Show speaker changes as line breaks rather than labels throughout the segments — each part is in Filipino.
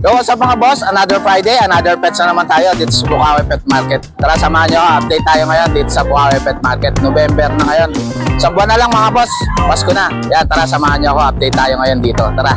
Yo, what's up mga boss? Another Friday, another pets na naman tayo dito sa Bukawi Pet Market. Tara, samahan nyo, update tayo ngayon dito sa Bukawi Pet Market. November na ngayon. Isang buwan na lang mga boss. Pasko na. Yan, tara, samahan nyo ako. Update tayo ngayon dito. Tara.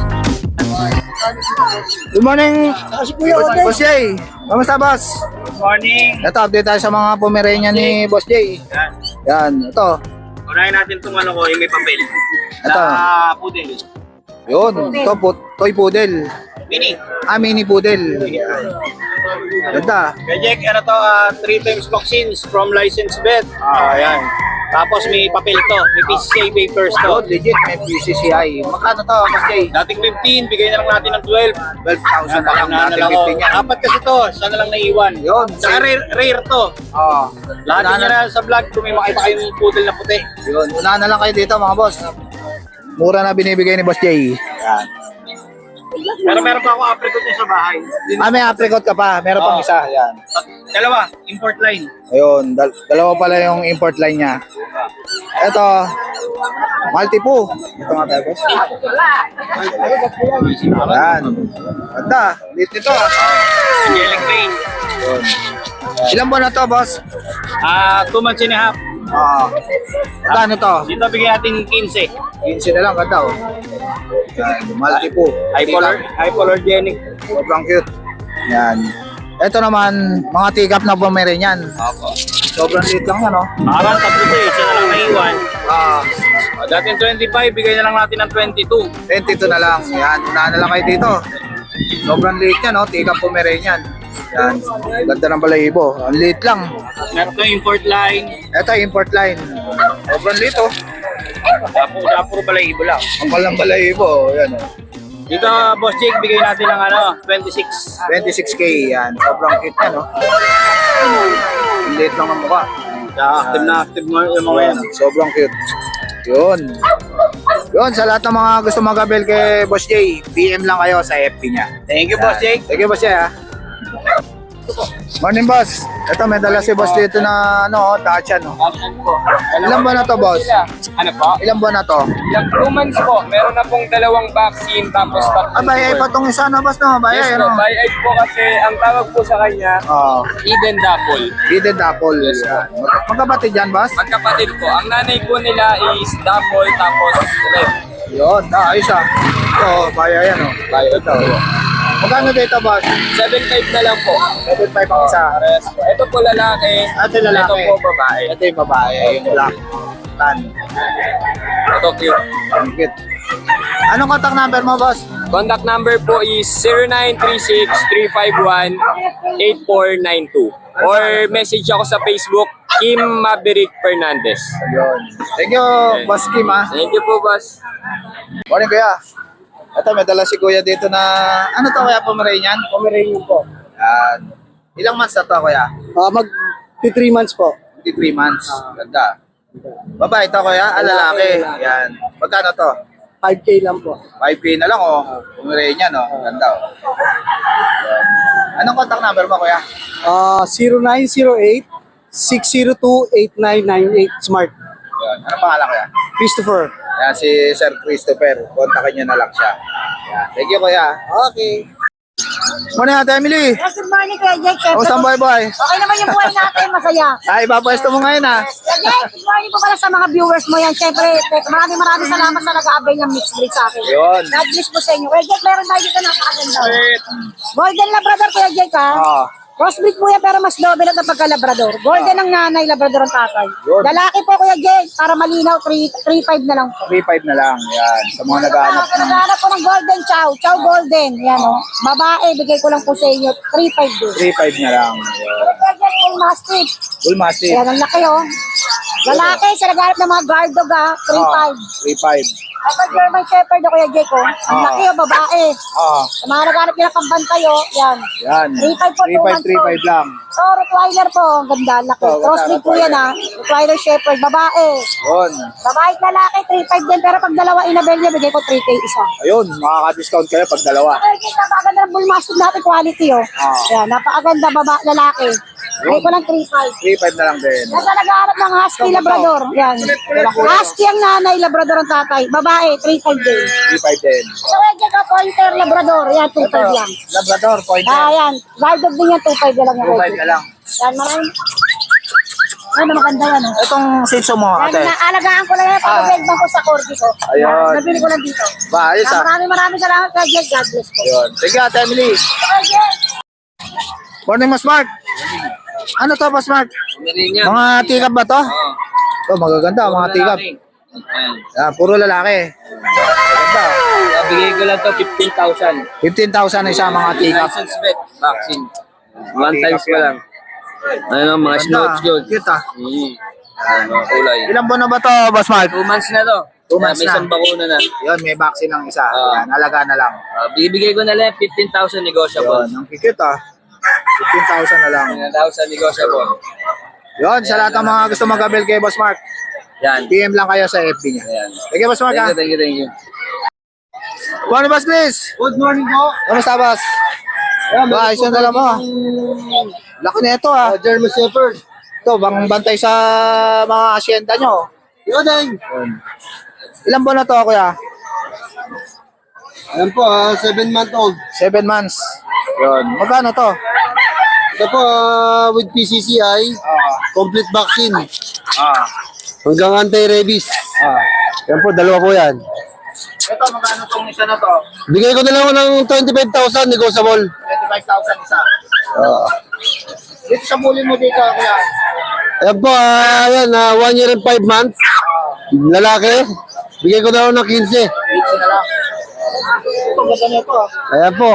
Good morning, Boss Jay. Kamusta, boss?
Good morning.
Ito, update tayo sa mga Pomeranian ni Boss Jay.
Yan.
Yan, ito.
Unahin natin itong ano ko, yung may papel.
Ito.
Sa poodle.
Yun, ito, toy poodle.
Mini.
Mini poodle. Ganda.
Kaya Jack, ano to, 3 times vaccines from licensed vet. Ayan. Tapos may papel to, may PCCI papers to.
Oh, legit, may PCCI. Magkano to, Boss Jay?
Dating 15, bigay na lang natin ng 12.
12,000 na lang, natin 15 yan.
Apat kasi to, siya na lang naiwan.
Yun.
Saka rare to.
Oo.
Lahat niya na sa vlog, kung may makita kayong poodle na puti.
Yun, unahan na lang kayo dito mga boss. Mura na binibigay ni Boss Jay. Yan.
Pero meron pa ako apricot niya sa bahay.
May apricot ka pa, meron pang
Oo.
isa. Yan.
Dalawa, import line.
Ayun, dalawa pala yung import line niya. Ito, Maltipoo. Ito nga tayo, boss. Yan. Ganda, lit nito.
Angelic Rain.
Yun. Ilang buwan na to, boss?
2 months and a half.
Magkano to?
Dito bigyan natin 15.
15 na lang, ganda oh. Yan, Maltipoo.
Hypoallergenic.
Sobrang cute. Yan. Ito naman, mga tikap na Pomeranian.
Opo.
Sobrang liit lang yan, oh.
Parang tatlo to eh. Siya na lang naiwan.
Ah,
Dating 25, bigay na lang natin ng 22.
22 na lang. Yan, unahan na lang kayo dito. Sobrang liit yan, oh. Tikap Pomeranian. Yan. Ganda ng balahibo. Ang liit lang.
Meron to import line.
Ito, import line. Sobrang liit, oh.
Puro balahibo lang.
Ang palang balahibo, oh. Yan, oh.
Dito, Boss Jake, bigay natin ng 26.
26K, yan. Sobrang cute yan, oh. Ang liit lang ng mukha.
Active na active mo yung mga yan.
Sobrang cute. Yun. Yun, sa lahat ng mga gusto mag-abel kay Boss Jay, PM lang kayo sa FB niya.
Thank you, Boss Jake.
Thank you, Boss Jay, ha. Morning, boss. Ito, may dala si boss dito na, Dachshund, no? Ilan buwan na to, boss?
Ano po?
Ilan buwan na to?
Ilang 2 months po. Meron na pong 2 vaccine tapos tatlong
Bayay pa tong isa na, boss, no? Bayay,
Yes
ano?
po, by-eye po kasi ang tawag po sa kanya,
Oo.
Eden Dapple.
Hidden Apple.
Yes,
Yan. Magkabatid yan, boss?
Magkapatid po. Ang nanay po nila is Dapple tapos Red.
Yun, ayos, ah. Ito, bayay yan, oh. Bayay ito. Magkano dito, boss?
7.5 na lang po.
7.5 ang isa.
Pares po. Ito po lalaki.
Ito yung lalaki.
Ito po babae.
Ito yung babae, yung black. Tan.
Ito cute.
Ang cute. Anong contact number mo, boss?
Contact number po is 0936-351-8492. Or message ako sa Facebook, Kim Maverick Fernandez.
Yun. Thank you, Boss Kim, ah.
Thank you po, boss.
Morning, kuya. Ito, may dala si kuya dito na, ano to, kuya, Pomeranian?
Pomeranian po.
Yan. Ilang months na to, kuya?
Mag 3 months po.
23 months. Ganda. Babae to, kuya? Lalaki. Yan. Magkano to?
5K lang po.
5K na lang, oh. Pomeranian, oh. Ganda, oh. Yan. Anong contact number mo, kuya?
0908-602-8998 Smart.
Yan. Anong pangalan, kuya?
Christopher.
Yan, si Sir Christopher. Kontakin nyo na lang siya. Yan. Thank you, kuya.
Okay.
Morning, Ate Emily.
Yes, good morning, Kuya Jake. Siyempre,
Kamusta ang boy?
okay naman yung buhay natin, masaya.
Ay, ipapwesto mo ngayon, ah.
Kuya Jake, good morning po pala sa mga viewers mo yan. Siyempre, maraming salamat sa nag-aabay ng mixed breed sa akin.
Yun.
God bless po sa inyo. Kuya Jake, meron tayo dito napakaganda. Golden Labrador, Kuya Jake, ha?
Ah.
Crossbreed po yan, pero mas doble lang ng pagka-Labrador. Golden ang nanay, Labrador ang tatay.
Yun.
Lalaki po, Kuya Jake, para malinaw, 3.5 na lang po.
3.5 na lang. Yan. Sa mga nag-aanap.
Naghahanap po ng Golden Chow, Chow Golden. Yan, o. Babae, bigay ko lang po sa inyo, 3.5 din.
3.5 na lang. Yan.
Kuya Jake, full mastiff.
Bull Mastiff.
Ayan, ang laki, oh. Lalaki, sa naghanap ng mga guard dog, ha? 3.5.
3.5.
Ito, German Shepherd, Kuya Jake, oh. Ang laki, oh, babae.
Ah.
Sa mga naghanap nila pambantay, oh. Yan.
Yan.
3.5 po,
3.5 lang.
So, Rottweiler po, ang ganda, ang laki.
Oh, ganda,
Crossbreed po yan, ha. Rottweiler Shepherd, babae.
Yun.
Babae at lalaki, 3.5 din, pero pag dalawa inabel niya, bigay ko 3K isa.
Ayun, makaka-discount kayo pag dalawa.
Kuya Jake, napakaganda ng bull mastiff natin, quality, oh. Yan, napakaganda, lalaki. Bigay ko lang 3.5.
3.5 na lang din.
Nasa nag-aarap ng Husky Labrador. Yan. Husky ang nanay, Labrador ang tatay. Babae, 3.5 din.
3.5 din.
Sa Wedge ka, Pointer Labrador. Yan, 2.5 lang.
Labrador, pointer.
Yan. Guard dog din yan, 2.5 na lang yung
2.5
Wedge.
na lang.
Yan, maraming. Ay, maganda yan. Oh.
Itong Shih Tzu mo,
Yan,
ate.
naalagaan ko lang yan. Pagkabegban ko sa corgi ko.
Ayun.
Yan, nabili ko lang dito.
Ba, ayos ah.
Maraming salamat kay Jed. God bless po.
Yun. Sige, Ate Emily.
Okay, Jed.
Morning, Mas Mark. Ano to, Mas Mark? Mga tikap ba to?
Oo.
Magaganda, mga tikap.
Ayan.
Puro lalaki. Maganda.
Bigay ko lang to 15,000.
15,000 isa mga tikap.
License vet vaccine. One times ko lang. Ano, mga snouts good.
Cute ah.
Ano, kulay.
Ilang buwan na ba to, Boss Mark?
2 months na to.
2 months
May
na.
isang bakuna na.
Yun, may vaccine ng isa.
Oo.
Yan, alaga na lang.
Bibigay ko na lang 15,000 negotiable.
Yun, ang cute ah. 15,000 na lang.
15,000 negotiable.
Yun, sa lahat ng mga gusto mag-abel kay Boss Mark,
Yan.
PM lang kayo sa FB niya.
Ayan.
Sige, Boss Mark ah.
Thank you, thank you.
Morning, Boss Chris.
Good morning po.
Kamusta, Boss? Ba, ayos yung dala mo. Laki na ito ah.
German Shepherd.
Ito, bang bantay sa mga asyenda nyo.
Yun ay.
Ilang buwan na to, kuya?
Ayan po, 7-month-old.
7 months. Yun. Magkano to?
Ito po, with PCCI, complete vaccine. Hanggang anti-rabies. Yan po, dalawa po yan.
Ito, magkano tong isa na to?
Bigay ko na lang ng 25,000 negotiable.
25,000 isa. Dito sa muli mo dito, kuya.
Ayan po, ayan, 1 year and 5 months. Lalaki. Bigay ko na lang ng 15.
15 na lang. Ito, ganda niyo to.
Ayan po.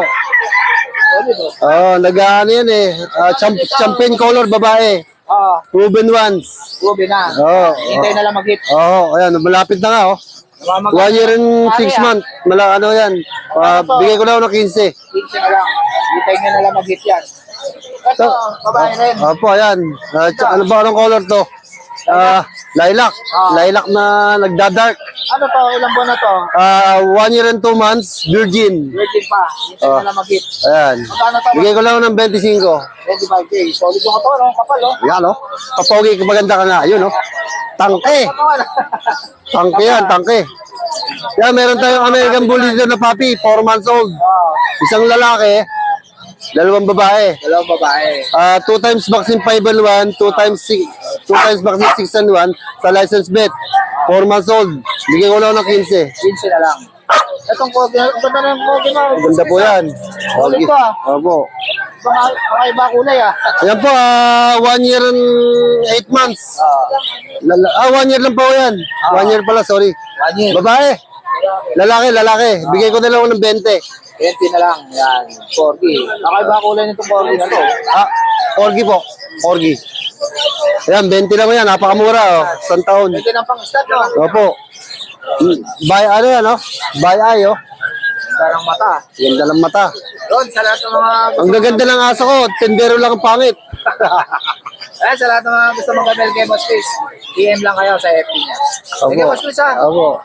Nag-ano yan eh. Champagne color, babae. Proven ones.
Ruby na. Hintay na lang mag-hit.
Ayan, malapit na nga oh. 1 year and 6 months. Ano yan. Bigay ko na lang ng 15.
15 na lang. Hintay nyo na lang mag-hit yan. Ito, babae rin.
Opo, ayan. Ano ba anong color to? Lilac. Lilac na nagda-dark.
Ano to? Ilang buwan na to?
1 year and 2 months, virgin.
Virgin pa. Hintay na lang mag-hit.
Ayan.
Magkano to?
Bigay ko lang ng 25.
25K. Solid yung ito, no? Kapal, no?
Yan oh. Papogi, maganda ka na. Yun oh. Tangke. Tangke yan, tangke. Yan, meron tayong American Bully dito na puppy, 4 months old. Isang lalaki, 2 babae.
Dalawang babae.
2 times vaccine 5 and 1, 2 times vaccine 6 and 1 sa license vet. 4 months old. Bigyan ko lang ng 15.
15 na lang. Itong kogi, ang ganda na yung kogi mo.
Ganda po yan.
Solid to, ah.
Opo.
Mga iba kulay, ah.
Ayan po, 1 year and 8 months. 1 year lang po yan. 1 year pala, sorry.
1 year.
Babae. Lalaki. Bigay ko na lang ng 20.
20 na lang. Yan. Corgi. Nakaiba kulay nitong corgi na to.
Corgi po. Corgi. Ayan, 20 lang yan. Napakamura, oh. 1 taon.
20 ng pang-stat, no?
Opo. Ano yan, oh? By eye, oh.
Darang mata.
Ganda ng mata.
Doon, sa lahat ng mga...
Ang gaganda ng aso ko. Tendero lang ang pangit.
Ayan, sa lahat ng mga gusto mag-abel kay Boss Chris, PM lang kayo sa FB niya. Sige, Boss Chris, ha?
Opo.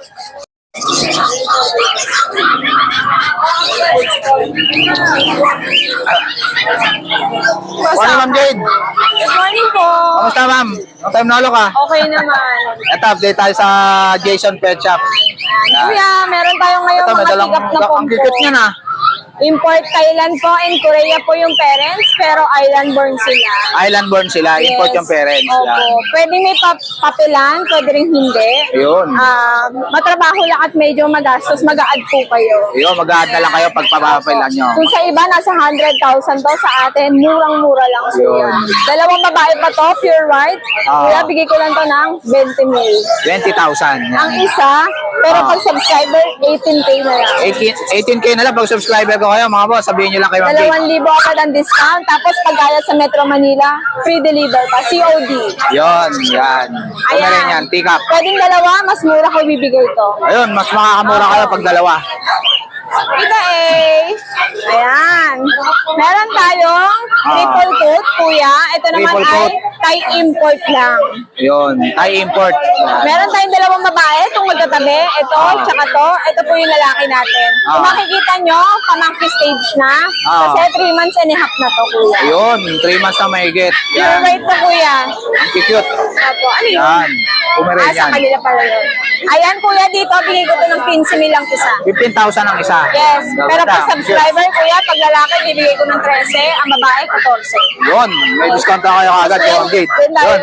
Morning, Ma'am Jade.
Good morning po.
Kamusta, ma'am? Long time na ulo ka.
Okay naman.
Ito, update tayo sa Jason Pet Shop.
Kuya, meron tayo ngayon
Ito, may
mga
dalang...
tigap na
Ang
pompo.
cute niya na.
Import Thailand po and Korea po yung parents, pero island born sila.
Island born sila. Import yung parents.
Opo.
Yan.
Pwede may papilan, pwede rin hindi.
Ayun.
Matrabaho lang at medyo magastos, mag-a-add po kayo.
Ayun, mag-a-add na lang kayo pag papapilan nyo.
Kung sa iba, nasa 100,000 to, sa atin, murang-mura lang po
Yun.
yan. Dalawang babae pa to, pure white. Kuya, bigay ko lang to ng 20 mil.
20,000. Yan.
Ang isa, pero pag subscriber, 18K na lang.
18K na lang pag subscriber ko kayo, mga boss. Sabihin nyo lang kay Ma'am Jade.
2,000 agad ang discount. Tapos pagkaya sa Metro Manila, free deliver pa. COD.
Yun, yan. Ito na rin yan, pick up.
Pwedeng dalawa, mas mura ko bibigay to.
Ayun, mas makakamura kayo pag dalawa.
Ito eh. Ayan. Meron tayong triple coat, kuya. Ito naman
Triple
ay
coat.
Thai import lang.
Yun, Thai import.
Meron tayong dalawang babae, itong magkatabi. Ito, tsaka to. Ito po yung lalaki natin. Kung makikita nyo, pamangki stage na. Kasi 3 months and a half na to, kuya.
Yun, 3 months na mahigit.
Pure
Yan,
white to, kuya.
ang cute.
Opo, ano yun?
Yan,
Sa
Pomeranian.
kanila pala yun. Ayan, kuya, dito, bigay ko to ng 15 lang isa.
15,000 ang isa.
Yes, pero
Ganda.
pag subscriber, kuya, pag lalaki, bibigay ko ng 13, ang babae, 14.
Yun, may discount na kayo agad kay Ma'am Jade.
Yun tayo.
Yun.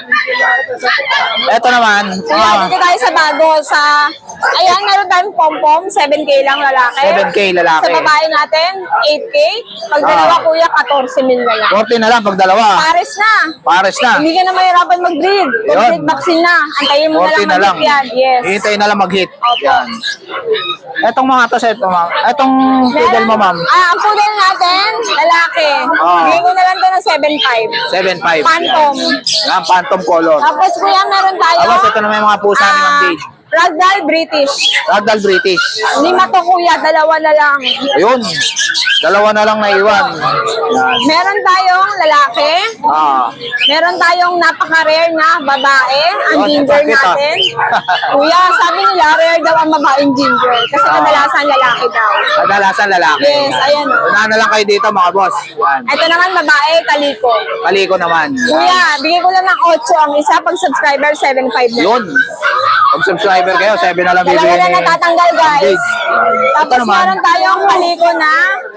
Ito naman,
Kuya, dito tayo sa bago, ayan, meron tayong pom-pom, 7K lang lalaki.
7K lalaki.
Sa babae natin, 8K. Pag dalawa, kuya, 14 mil na lang.
14 na lang pag dalawa.
Pares na.
Pares na.
Hindi ka na mahirapan mag-breed. Complete vaccine na. Antayin mo na
14
lang
na lang.
mag-hit yan. Yes.
Hihintayin na lang mag-hit.
Opo.
Yan. Etong mga to, set, ma'am. Etong poodle mo, ma'am.
Ang poodle natin, lalaki.
Ah.
Bigay ko na lang to ng 7.5.
7.5.
Phantom.
Yan, phantom color.
Tapos kuya, meron tayo.
Tapos ito na may mga pusa ni Ma'am Jade.
Ragdoll British.
Ragdoll British.
5 to kuya, 2 na lang.
Ayun. Dalawa na lang naiwan. Yan.
Meron tayong lalaki.
Ah.
Meron tayong napaka-rare na babae. Ang
Yun,
ginger
bakit, ah?
natin. Kuya, sabi nila, rare daw ang babaeng ginger. Kasi kadalasan lalaki daw.
Kadalasan lalaki.
Yes, ayan.
Unahan na lang kayo dito, mga boss. Yan.
Ito naman babae, kaliko.
Kaliko naman. Yan.
Kuya, bigay ko lang ng 8 ang isa. Pag subscriber, 7.5 na.
Yun. Pag subscriber kayo, 7 na lang
Dalawa
bibigyan
na
ni
natatanggal, guys.
Ito
Tapos
naman.
meron tayong kaliko na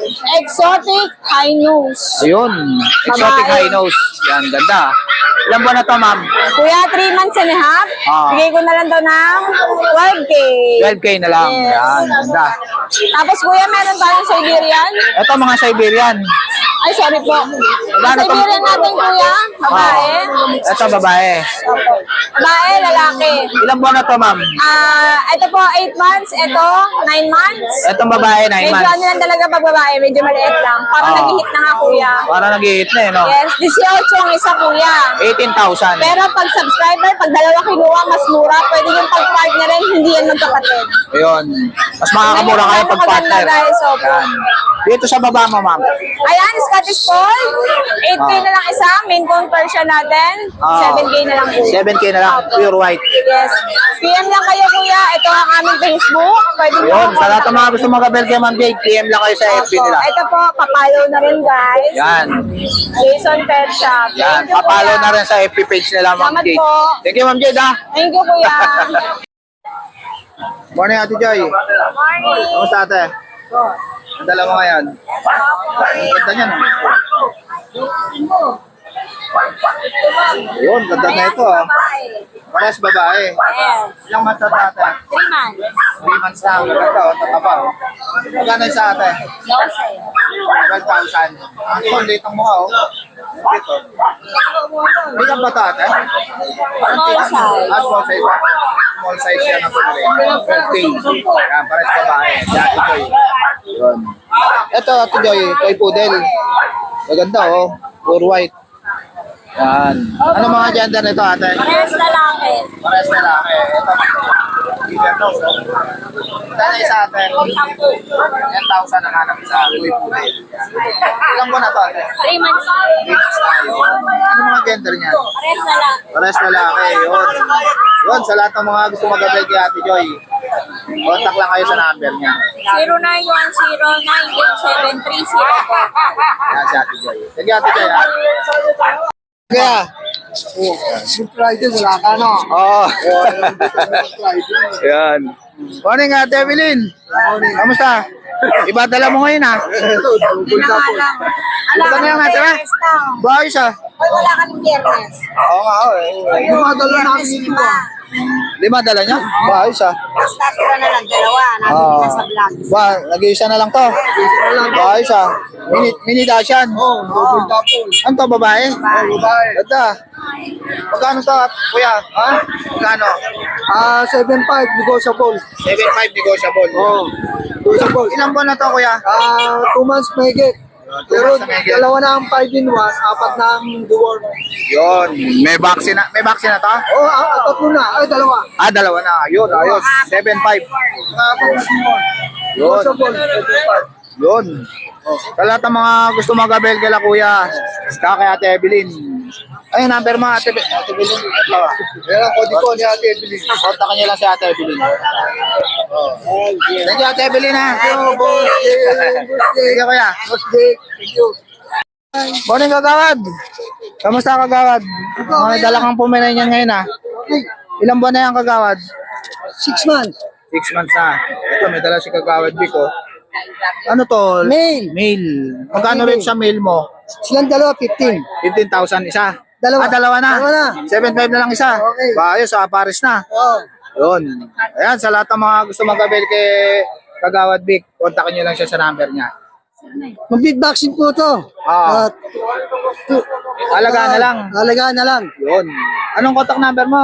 exotic high nose.
Ayun. Exotic
Babae.
high nose. Yan, ganda. Ilan buwan na to, ma'am?
Kuya, 3 months and a half.
Ah.
Bigay ko na lang daw ng 12K.
12K na lang.
Yes.
Yan, ganda.
Tapos kuya, meron tayong Siberian.
Ito mga Siberian.
Ay, sorry po.
Magkano to?
Siberian natin kuya, babae.
Ito babae.
Opo. Babae, lalaki.
Ilan buwan na to, ma'am?
Ito po, 8 months. Ito, 9 months.
Itong babae, 9
Medyo
months.
ano lang talaga pag babae, medyo maliit lang. Parang
Ah.
nag-hit na nga kuya.
Para nag-hit na eh, no?
Yes, 18 ang isa kuya.
18,000.
Pero pag subscriber, pag dalawa kinuha, mas mura. Pwede yung pag-partnerin, hindi yan magkapatid.
Ayun. Mas makakamura kayo pag
Maganda,
partner.
guys, opo.
Yan. Dito sa baba mo, ma'am.
Ayan, Scottish Fold. 8K na lang isa. Main conversion natin.
Ah.
7K na lang po.
7K na lang.
Opo.
Pure white.
Yes. PM lang kayo, kuya. Ito ang aming Facebook. Pwede mo
Yun.
ako
Sa lahat ng mga
kontakin.
gusto mag-abel kay Ma'am Jade, PM lang kayo sa FB
Opo.
nila.
Ito po, papalo na rin, guys.
Yan.
Jason Pet Shop.
Yan.
Thank you,
Papalo
kuya.
na rin sa FB page nila, Ma'am
Salamat
Jade.
po.
Thank you, Ma'am Jade, ha.
Thank you, kuya.
Morning, Ate Joy.
Morning.
Kamusta, ate? Ang dala mo ngayon? Ang ganda niyan, ha? Yun, ganda na ito, ha. Parehas babae.
Yes.
Ilang months na ito, ate?
3 months.
3 months na. Ganda, o. Tataba, o. Magkano isa, ate? 12,000. Ang kulit ang mukha, oh. Ito. Bilang ba ito, ate?
Small size.
Small size. Small size yan ang pumili. 12K. Yan, parehas babae. Yan, ito eh. Yun. Ito, Ate Joy, toy poodle. Maganda, oh. Pure white. Yan. Ano mga gender nito, ate?
Parehas lalaki.
Parehas na lang. Ito. Giver nose, oh. Sana isa, ate. 10,000 ang hanap isa. Toy poodle. Yan. Ilang buwan na to, ate?
3 months.
Weeks na yun. Ano mga gender niya?
Parehas lalaki.
Parehas lalaki, yun. Yun, sa lahat ng mga gusto mag-abel kay Ate Joy, contact lang kayo sa number niya.
0910-9730.
Yan si Ate Joy. Sige, Ate Joy, ha? Kaya?
Good Friday, wala ka, no?
Oo. Yan. Morning, Ate Evelyn. Kamusta? Iba dala mo ngayon, ha? Ito na yung natira. Bayos, ha?
Wala kaming biyernes.
Oo nga, eh.
Madala namin ito.
Lima dala niya? Bayos, ha?
Basta tira na lang, dalawa.
Oo.
Nasa vlog.
Ba, nag-iisa na lang to. Bayos, ha? Mini Dashan.
Oh, double couple.
Ano to, babae?
Oh, babae.
Ganda. Magkano to, kuya? Ha? Magkano?
7.5 negotiable.
7.5 negotiable.
Oh, negotiable.
Ilang buwan na to, kuya?
2 months mahigit. Pero
months na mahigit.
dalawa na ang 5-in-1, 4 na ang deworm.
Yun. May vaccine na to?
Oh, 3 na. Ay, dalawa.
Dalawa na. Yun, ayos. 7.5.
Apat na deworm.
Yun.
Negotiable, 7.5.
Yun. Sa lahat ng mga gusto mag-abel kala kuya, saka kay Ate Evelyn. Ay, number mo, Ate Evelyn. Ito ah.
Yan ang kodi ko ni Ate Evelyn.
Kontakin niyo lang si Ate Evelyn. Thank you, Ate Evelyn ha. Thank you, kuya.
Thank you.
Morning, Kagawad. Kamusta, Kagawad? Mga dala kang Pomeranian ngayon ha. Ilang buwan na yan, Kagawad?
6 months.
6 months na. Ito, may dala si Kagawad Biko. Ano to?
Male.
Male. Magkano rin sa male mo?
Silang dalawa, 15.
15,000 isa.
Dalawa.
Dalawa na.
Dalawa na.
7,500 na lang isa.
Okay.
Ayos, Paris na.
Oh.
Yun. Ayan, sa lahat ng mga gusto mag-avail kay Kagawad Vic, kontakin nyo lang siya sa number niya.
Mag-big vaccine po to.
Ah. Alagaan na lang.
Alagaan na lang.
Yun. Anong contact number mo?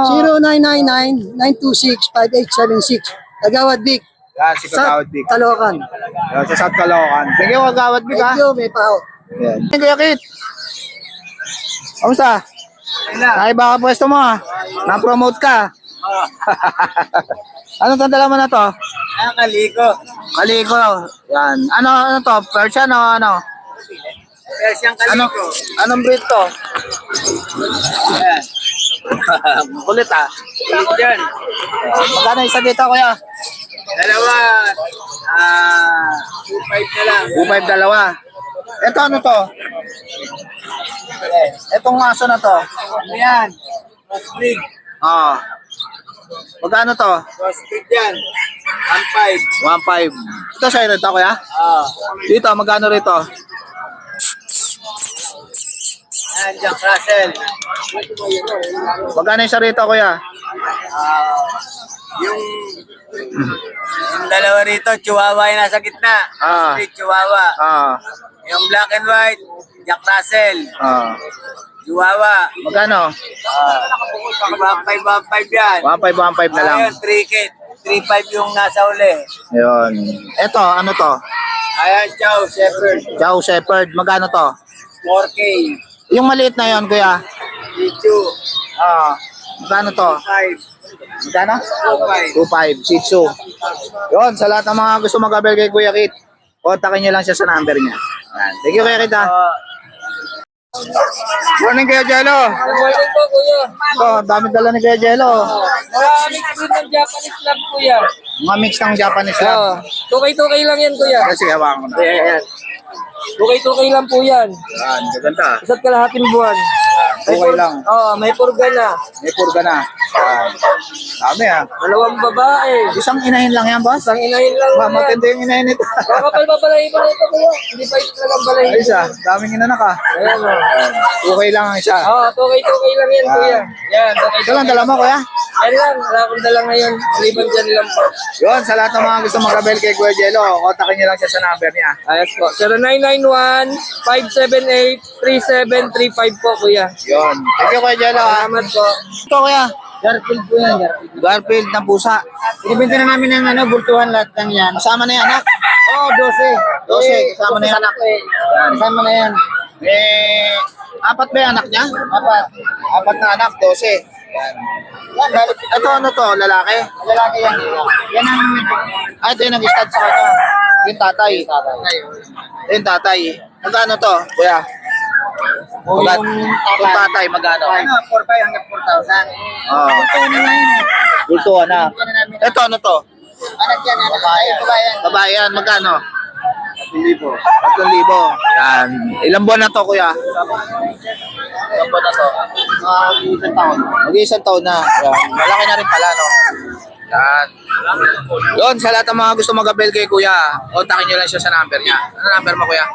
0999-926-5876. Agawad Vic.
Yan, si Kagawad Vic.
Talokan.
Yan, sa South Caloocan. Thank you, Kagawad Vic, ha?
Thank you, may pao.
Yan. Thank you, Kit. Kamusta? Ay, baka pwesto mo, ha? Na-promote ka. Anong tandala mo na to?
Kaliko.
Kaliko. Yan. Ano to? Persian o ano?
Persian
Ano? Anong breed to?
Ayan.
Kulit, ha?
Kulit yan.
Magkano isa dito, kuya?
Dalawa. 2.5 na lang.
2.5 dalawa. Ito ano to? Etong aso na to.
Ano yan? Crossbreed.
Ah. Magkano to?
Crossbreed yan. 1.5.
1.5. Ito siya rin to, kuya? Dito, magkano rito?
Ayan, Jack Russell.
Magkano isa rito, kuya?
Yung dalawa rito, Chihuahua yung nasa gitna.
Ah.
Crossbreed, Chihuahua.
Ah.
Yung black and white, Jack Russell.
Ah.
Chihuahua.
Magkano?
1.5 yan.
1.5 na lang.
Ayun, 3K. 3.5 yung nasa uli.
Ayun. Ito, ano to?
Ayan, Chow, Shepherd.
Chow Shepherd. Magkano to?
4K.
Yung maliit na yon, kuya?
Pichu.
Ah. Magkano to?
5.
Magkano?
2.5.
2.5. Shih Tzu. Yun, sa lahat ng mga gusto mag-abel kay Kuya Kit, kontakin nyo lang siya sa number niya. Ayan. Thank you, Kuya Kit, ha? Morning, Kuya Jello.
Morning po, kuya.
Ito, ang dami dala ni Kuya Jello.
Maraming food ng Japanese lab, kuya.
Mga mix ng Japanese lab.
Tukay-tukay lang yan, kuya.
Sige, hawakan ko na.
Ayan. Tukay-tukay lang po yan.
Yan, gaganda.
Isa't kalahating buwan.
Okay lang.
May purga na.
May purga na. Yan. Dami, ha?
Dalawang babae.
Isang inahin lang yan, boss.
Isang inahin lang
Ba,
yan.
matindi yung inahin nito.
Kakapal pa balahin mo na ito, kuya. Hindi pa ito talagang balahin.
Ayos, ha? Daming inanak, ha?
Ayan, o.
Okay lang ang isa.
Tukay-tukay lang yan, kuya. Yan,
Ito
tukay-tukay.
lang, dala mo, Kuya.
Yan lang. Wala akong dala ngayon. Maliban dyan lang po.
Yun, sa lahat ng mga gusto mag-abel kay Kuya Jello, kontakin nyo lang siya sa number niya.
Ayos po. 0991-578-3735 po, kuya.
Yun. Thank you, Kuya Jello, ha?
Salamat po.
Ito, Kuya.
Garfield po yan, Garfield.
Garfield ng pusa.
Binibenta na namin ng bultuhan lahat ng yan.
Kasama na yan, anak.
Oo,
12,
12.
kasama na yung anak.
Kasama na yan.
Apat ba yung anak niya? Apat na anak, 12. Yan, ito ano to, lalaki?
Lalaki yan. Yan ang...
Ito yung nag-stud sa kanya. Yung tatay. Yung tatay. Magkano to, Kuya? Yung tatay, magkano?
4.5 hanggang 4,000.
Oh. Bultuhan na. Ito ano to?
Anak yan, babae.
Babae yan, magkano? 3,000. Yan. Ilang buwan na to, Kuya? Ilang buwan na to?
Isang taon.
Mag-iisang taon na. Yan. Malaki na rin pala, no? Yan. Yun, sa lahat ng mga gusto mag-abel kay Kuya, kontakin nyo lang siya sa number niya. Ano number mo, Kuya?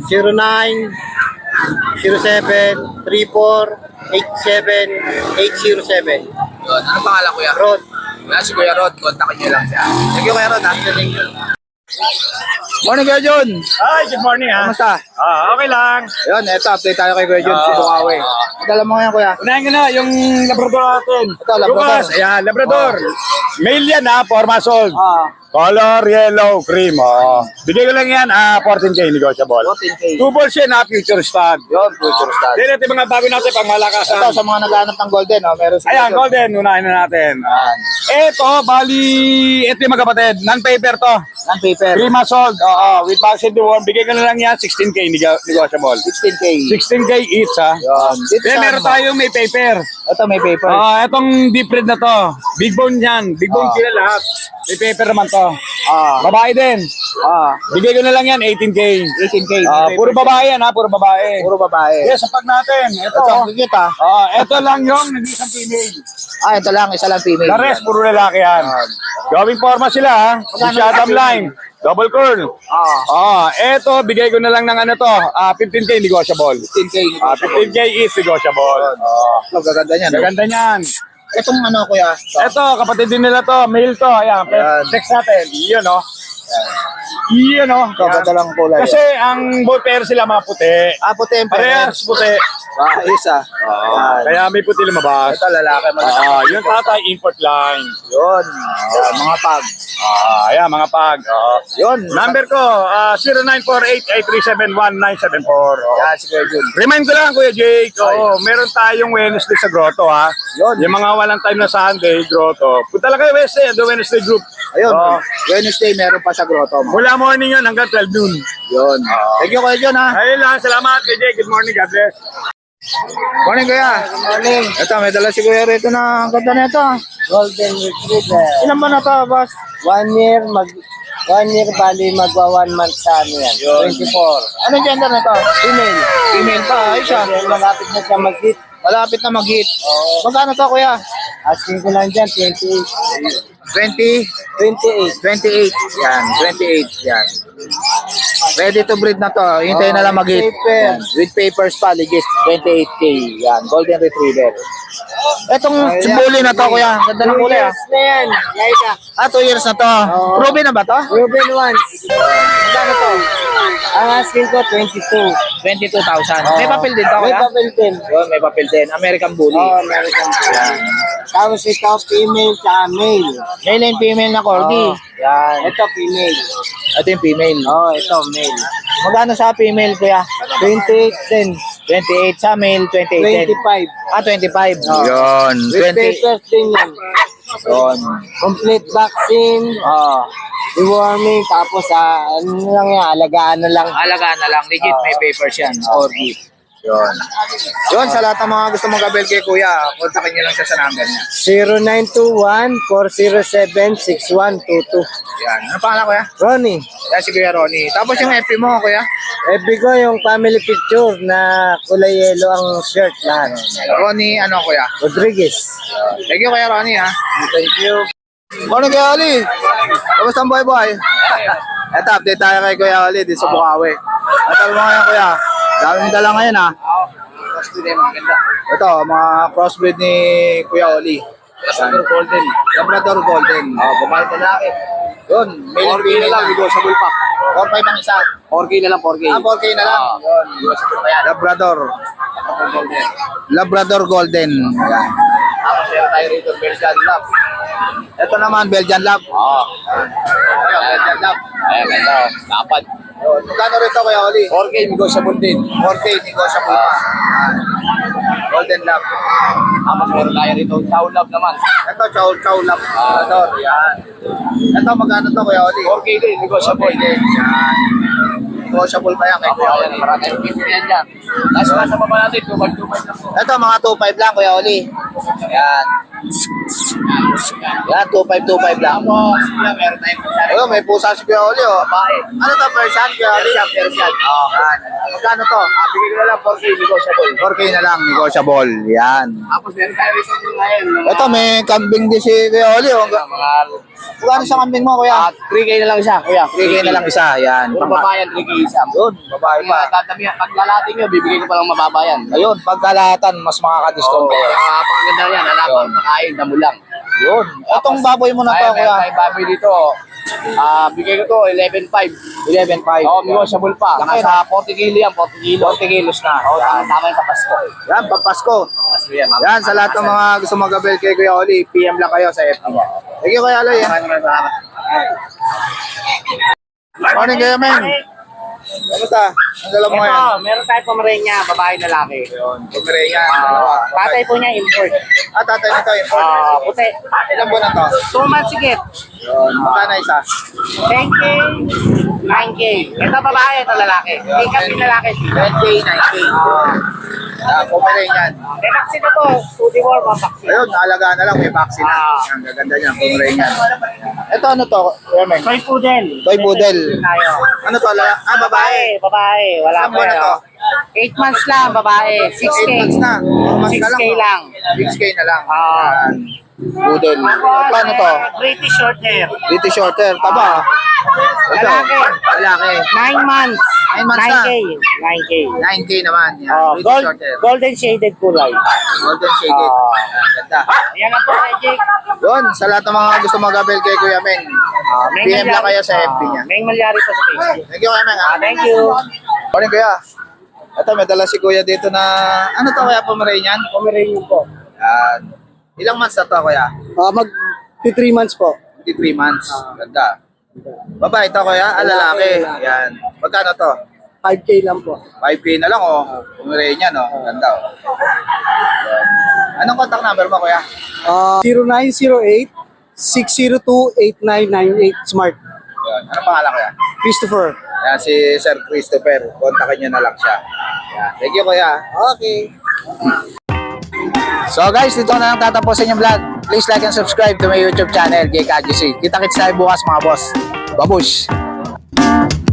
09-07-34-87-807.
Yun. Ano pangalan, Kuya?
Rod.
Yan, si Kuya Rod. Kontakin nyo lang siya. Thank you, Kuya Rod. Thank you. Morning, Kuya John.
Hi, good morning ha.
Kamusta?
Okay lang.
Yun, eto, update tayo kay Kuya John. Si Bukawi. Madala mo ngayon, Kuya.
Unahin ko na yung Labrador natin.
Ito, Labrador.
Lucas, ayan, Labrador. Male yan ha, 4 months old.
Color yellow cream. Oh. Bigay ko lang yan, 14K negotiable.
14K.
2 balls yan, future stud.
Yun, future stud.
Then ito yung mga bago natin pang malakasan.
Ito, sa mga naghahanap ng golden, meron sila.
Ayan, golden, unahin na natin. Ito, bali, ito yung magkapatid. Non-paper to.
Non-paper.
3 months old. Oo, with vaccine deworm. Bigay ko na lang yan, 16K negotiable.
16K.
16K each, ha.
Yun. Dito
Then
sa
meron
ano,
tayong may paper.
Ito may paper.
Itong deep red na to. Big bone yan. Big bone sila lahat. May paper naman to.
Ah.
Babae din. Bigay ko na lang yan, 18K.
18K.
Puro babae yan, ha. Puro babae.
Puro babae.
Yes, sa pag natin. Ito.
Ito, ang cute ah.
Ito lang yung nag-isang female.
Ito lang, isa lang female.
The rest, puro lalaki yan. Gawing forma sila, ha. Masyadong line. Double curl. Eto, bigay ko na lang ng ano to. 15K negotiable.
15K.
15K is negotiable.
Ito, gaganda niyan.
Gaganda niyan.
Itong ano, kuya?
Eto, kapatid din nila to. Male to. Ayan, text natin. Iyon, no? Iyon, no?
Ito, ganda lang kulay.
Kasi ang ball pair sila mga puti.
puti yung
Parehas puti.
isa.
Kaya may puti lumabas.
Ito, lalaki.
Yung tatay, import line.
Yun. Mga pag.
Ayan, mga pag.
Yun.
Number ko, 0948-8371-974.
Yan, si Kuya Jun.
Remind ko lang, Kuya Jake, meron tayong Wednesday sa Grotto, ha?
Yun.
Yung mga walang time na Sunday, Grotto. Punta lang kayo Wednesday, the Wednesday group.
Ayun. Wednesday, meron pa sa grotto mo.
Mula morning yun hanggang 12 noon.
Yun. Thank you, Kuya Jun, ha?
Ayun lang, salamat, Kuya Jake. Good morning, God bless.
Morning, Kuya. Morning. Ito, may dala si Kuya rito na ganda na ito.
Golden Retriever.
Ilan ba na ito, boss?
1 year, 1 year bali magwa 1 month sa ano yan. 24.
Anong gender na ito?
Female.
Female pa, ay siya.
Malapit na siya mag-hit.
Malapit na mag-hit. Magkano to, Kuya?
Asking ko lang dyan, 28.
20?
28.
28. Yan, 28. Yan. Ready to breed na to. Hintayin na lang mag-hit.
paper.
Yan. With papers pa, legit. 28K. Yan, golden retriever. Etong bully na to, Kuya. Ganda ng kulay, ah.
Years na yan. Laika.
2 years na to. Ruby na ba to?
Ruben once.
Magkano to?
Ang asking ko, 22.
22,000. May papel din to,
May
Kuya?
papel din.
Yun, may papel din. American Bully.
American. Tapos ito, female tsaka male.
Male and female na corgi. Yan.
Ito, female.
Ito yung female.
Ito, male.
Magkano sa female, Kuya?
28 din.
28 sa male, 28 din.
25.
25.
Oh.
Yun.
With papers din yan.
Yun.
Complete vaccine, deworming, tapos ano lang yan, alagaan na lang.
Alagaan na lang. Legit, may papers yan. Corgi. Yun. Yun, sa lahat ng mga gusto mag-abel kay Kuya, kontakin niyo lang siya sa number niya.
0921-407-6122.
Yan. Ano pangalan, Kuya?
Ronnie,
Yan si Kuya Ronnie. Tapos yung FP mo, Kuya?
FB ko yung family picture na kulay yellow ang shirt lahat.
Ronnie, ano, Kuya?
Rodriguez.
Thank you, Kuya Ronnie, ha?
Thank you.
Morning, Kuya Oli. Kamusta ang boy? Ito, update tayo kay Kuya Oli dito sa Bukawi. Ito mo ngayon, Kuya. Dami mo dala ngayon, ha? Ito, mga crossbreed ni Kuya Oli. Labrador Golden. Labrador Golden. Bumalik na laki. Yun, male and female lang. Negotiable pa. 4-5 ang isa. 4K na lang, 4K. 4K na lang. Yun. Labrador. Labrador Golden. Yan. Tapos meron tayo rito, Belgian Lab. Ito naman, Belgian Lab. Belgian Lab. Ayan, ganda. Dapat. Yun. Magkano rito, Kuya Oli? 4K, negotiable din. 4K, negotiable pa. Yan. Golden Lab. Tapos meron tayo rito, Chow Lab naman. Ito, Chow Lab. Ito, yan. Ito, magkano to, Kuya Oli? 4K din, negotiable din. Yan. Negotiable pa yan kay Kuya Oli. Marami tayong pipilian dyan. Last class sa baba natin, 2.5 lang po. Ito, mga 2.5 lang, Kuya Oli. Yan. Yan, 2.5 lang. Tapos, meron tayong pusa. Ayun, may pusa si Kuya Oli, oh. Ano to, Persian, Kuya Oli? Persian. Yan. Magkano to? Bigay ko na lang, 4K, negotiable. 4K na lang, negotiable. Yan. Tapos, meron tayo rito ngayon. Ito, may kambing din si Kuya Oli, oh. Magkano sa kambing mo, Kuya?
3K na lang siya, kuya.
3K na lang isa, yan.
Puro babayan, 3K isa.
Yun, babae pa.
Pag lalating nyo, bibigay ko pa lang mababayan.
Ayun, pagkalahatan, mas makaka-discount kayo.
Pagkaganda yan, halapan, makain, damo lang.
Yun. Itong baboy mo na to,
Meron
Kuya.
tayong baboy dito. Bigay ko to, 11.5.
11.5.
Negotiable pa.
Laki
Nasa 40 kilo yan, 40 kilo.
40 kilos na.
Tama yung sa Pasko.
Yan, pagpasko.
Pasko yan.
Yan, sa lahat ng mga gusto mag-abel kay Kuya Oli, PM lang kayo sa FB niya. Thank you, Kuya Oli.
Maraming salamat.
Morning kayo, men. Kamusta? Ang dala mo ngayon?
meron tayo Pomerania, babae lalaki.
Pomeranian, dalawa.
Tatay po niya import.
Tatay nito, import.
Puti.
Ilang buwan na to?
2 months sigit.
Yun. Magkano isa?
10K, 9K. Ito babae, ito lalaki. Hindi kasi lalaki.
10K, 9K. Pomeranian.
May vaccine na to. 2D war, vaccine.
Ayun, naalagaan na lang, may vaccine na. Ang gaganda niya, Pomeranian. Ito ano to? Yemen?
Toy poodle.
Toy poodle.
Tayo.
Ano to? Babae.
Babae. Wala
Ilang buwan na to?
8 months lang, babae. 6K.
8 months na.
6K lang.
6K na lang.
Ah.
Yan. Poodle. Paano to?
British short hair.
British Shorter. Taba. Ito.
Lalaki.
Lalaki.
9 months.
9 months na.
9K. 9K.
9K naman. Yan.
Oh,
British Shorter.
golden shaded kulay.
Golden shaded. Yan, ganda.
Ayan ang po, Jake.
Yun, sa lahat ng mga gusto mag-abel kay Kuya Meng, PM lang kayo sa FB niya.
May malyari po sa Facebook.
Thank you, Kuya Meng.
Thank you.
Morning, Kuya. Ito, may dala si Kuya dito na, ano to, Kuya, Pomeranian?
Pomeranian po.
Yan. Ilang months na to, Kuya?
Mag 3 months po.
53 months. Ganda. Babae ito, Kuya? Lalaki. Yan. Magkano to?
5K lang po.
5K na lang, oh. Pomeranian, oh. Ganda, oh. Yan. Anong contact number mo, Kuya?
0908-602-8998 Smart.
Yan. Anong pangalan, Kuya?
Christopher.
Yan, si Sir Christopher. Kontakin nyo na lang siya. Yan. Thank you, Kuya.
Okay.
So guys, dito na lang tatapusin yung vlog. Please like and subscribe to my YouTube channel, JKGC. Kita-kits tayo bukas mga boss. Babush!